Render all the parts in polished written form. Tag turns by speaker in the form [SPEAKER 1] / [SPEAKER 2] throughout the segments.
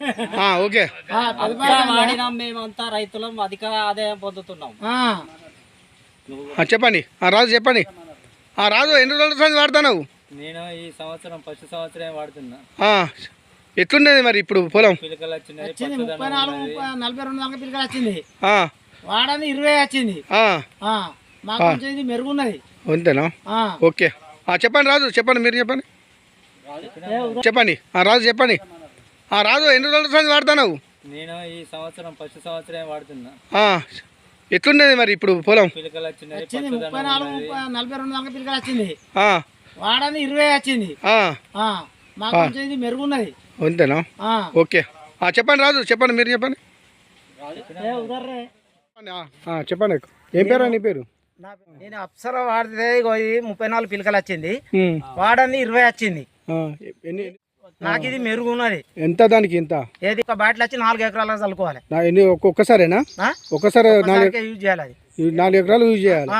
[SPEAKER 1] Okay
[SPEAKER 2] వాడినాం మేమంతా రైతులం అధిక ఆదాయం పొందుతున్నాం.
[SPEAKER 1] చెప్పండి రాజు చెప్పండి. రాజు ఎన్ని రోజుల సంది వాడుతున్నావు?
[SPEAKER 2] నేను ఈ సంవత్సరం ఫస్ట్ సంవత్సరం వాడుతున్నా.
[SPEAKER 1] ఎట్లున్నది మరి ఇప్పుడు పొలం?
[SPEAKER 2] పిలకలు వచ్చినాయి,
[SPEAKER 3] 40-42 పిలకలు వచ్చింది. వాడని 20 వచ్చింది. మాకు కొంచెం ఇది మెరుగున్నది.
[SPEAKER 1] అంతేనా? ఓకే చెప్పండి రాజు, చెప్పండి మీరు చెప్పండి. చెప్పండి రాజు చెప్పండి. రాజు ఎన్ని రోజుల సంది వాడుతున్నావు?
[SPEAKER 2] నేను ఈ సంవత్సరం ఫస్ట్ సంవత్సరం వాడుతున్నా.
[SPEAKER 1] ఎట్లున్నది మరి ఇప్పుడు పొలం?
[SPEAKER 2] పిలకలు వచ్చినాయి,
[SPEAKER 3] 40-42 పిలకలు వచ్చింది. వాడని 20 వచ్చింది. మాకు కొంచెం ఇది మెరుగున్నది.
[SPEAKER 1] అంతేనా? ఓకే చెప్పండి రాజు, చెప్పండి మీరు చెప్పండి. చెప్పండి ఏం పేరు? నీ పేరు?
[SPEAKER 3] నేను అప్సరా వాడితే 34 పిలకలు వచ్చింది. వాడని 20 వచ్చింది. నాకు ఇది మెరుగున్నది.
[SPEAKER 1] ఎంత దానికి? ఎంత?
[SPEAKER 3] ఏది ఒక బాటిల్ వచ్చి 4 ఎకరాలకు చల్లుకోవాలి.
[SPEAKER 1] ఒక్కసారేనా? ఒక్కసారి
[SPEAKER 3] యూజ్ చేయాలి. అది
[SPEAKER 1] 4 ఎకరాలు యూజ్ చేయాలి.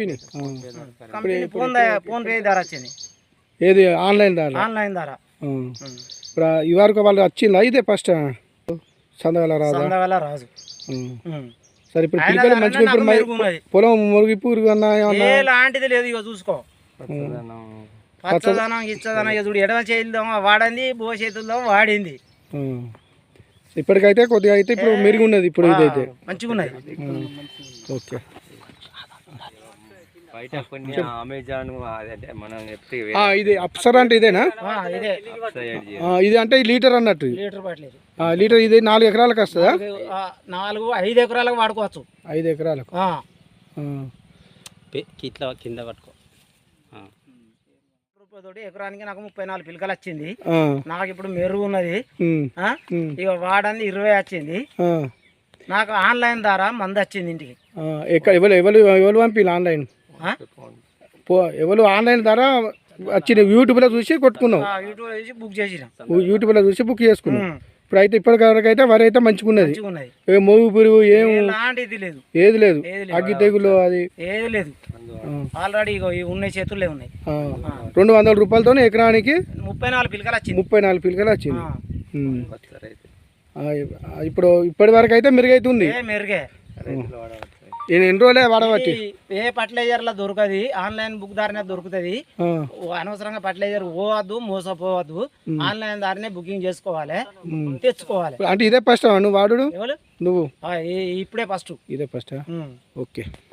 [SPEAKER 3] ఫోన్ పే ధర వచ్చింది.
[SPEAKER 1] ఏది? ఆన్లైన్ ధర?
[SPEAKER 3] ఆన్లైన్ ధర.
[SPEAKER 1] ఇప్పుడు ఈ వరకు వాళ్ళు వచ్చిందా? ఇదే ఫస్ట్ సందగల
[SPEAKER 3] రాజు.
[SPEAKER 1] సరే ఇప్పుడు పిల్లలు మంచిగా పొలం మురిగిపు
[SPEAKER 3] ఎలాంటిది లేదు. ఇక చూసుకో పచ్చదనం ఇచ్చదనం చూడు. ఎడమ చేద్దాం వాడింది, బో చేతుల్లో వాడింది.
[SPEAKER 1] ఇప్పటికైతే కొద్దిగా అయితే ఇప్పుడు మెరుగు ఉన్నది. ఇప్పుడు ఇదైతే
[SPEAKER 3] మంచిగా ఉన్నది.
[SPEAKER 1] ఓకే ఇది అప్సరా అంటే ఇదేనా? ఇది అంటే లీటర్ అన్నట్టు. లీటర్ ఇది 4 ఎకరాలకు వస్తుందా?
[SPEAKER 3] 4-5 ఎకరాలకు వాడుకోవచ్చు.
[SPEAKER 1] 5 ఎకరాలకు
[SPEAKER 2] ఇట్లా కింద పట్టుకో.
[SPEAKER 3] రూపాయతోటి ఎకరానికి నాకు 34 పిలకలు వచ్చింది. నాకు ఇప్పుడు మెరుగు ఉన్నది. ఇక వాడని 20 వచ్చింది. నాకు ఆన్లైన్ ద్వారా మంది వచ్చింది ఇంటికి.
[SPEAKER 1] ఎవరు పంపిల్లు ఆన్లైన్? ఎవరు ఆన్లైన్ ద్వారా వచ్చిన యూట్యూబ్లో చూసి కొట్టుకున్నాం. యూట్యూబ్లో చూసి బుక్ చేసుకున్నాం. ఇప్పుడు అయితే ఇప్పటివరకు అయితే వరి అయితే మంచిగున్నది. మోగు పురుగు ఏది లేదు. అగ్గి తెగులు అది
[SPEAKER 3] ఏది లేదు. ఆల్రెడీ ఉన్నాయి, చేతుల్లో ఉన్నాయి.
[SPEAKER 1] 200 రూపాయలతో ఎకరానికి
[SPEAKER 3] 34 పిలకలు వచ్చింది.
[SPEAKER 1] 34 పిలకలు వచ్చింది. ఇప్పుడు ఇప్పటి వరకు అయితే మెరుగైతుంది.
[SPEAKER 3] మెరుగే.
[SPEAKER 1] ఎన్ని రోజులే వాడవచ్చు?
[SPEAKER 3] ఏ ఫర్టిలైజర్లో దొరకది, ఆన్లైన్ బుక్ దారినే దొరుకుతుంది. అనవసరంగా ఫర్టిలైజర్ పోవద్దు, మోసపోవద్దు. ఆన్లైన్ దారినే బుకింగ్ చేసుకోవాలి, తెచ్చుకోవాలి.
[SPEAKER 1] అంటే ఇదే ఫస్ట్ నువ్వు వాడు? నువ్వు
[SPEAKER 3] ఇప్పుడే ఫస్ట్.
[SPEAKER 1] ఇదే ఫస్ట్. ఓకే.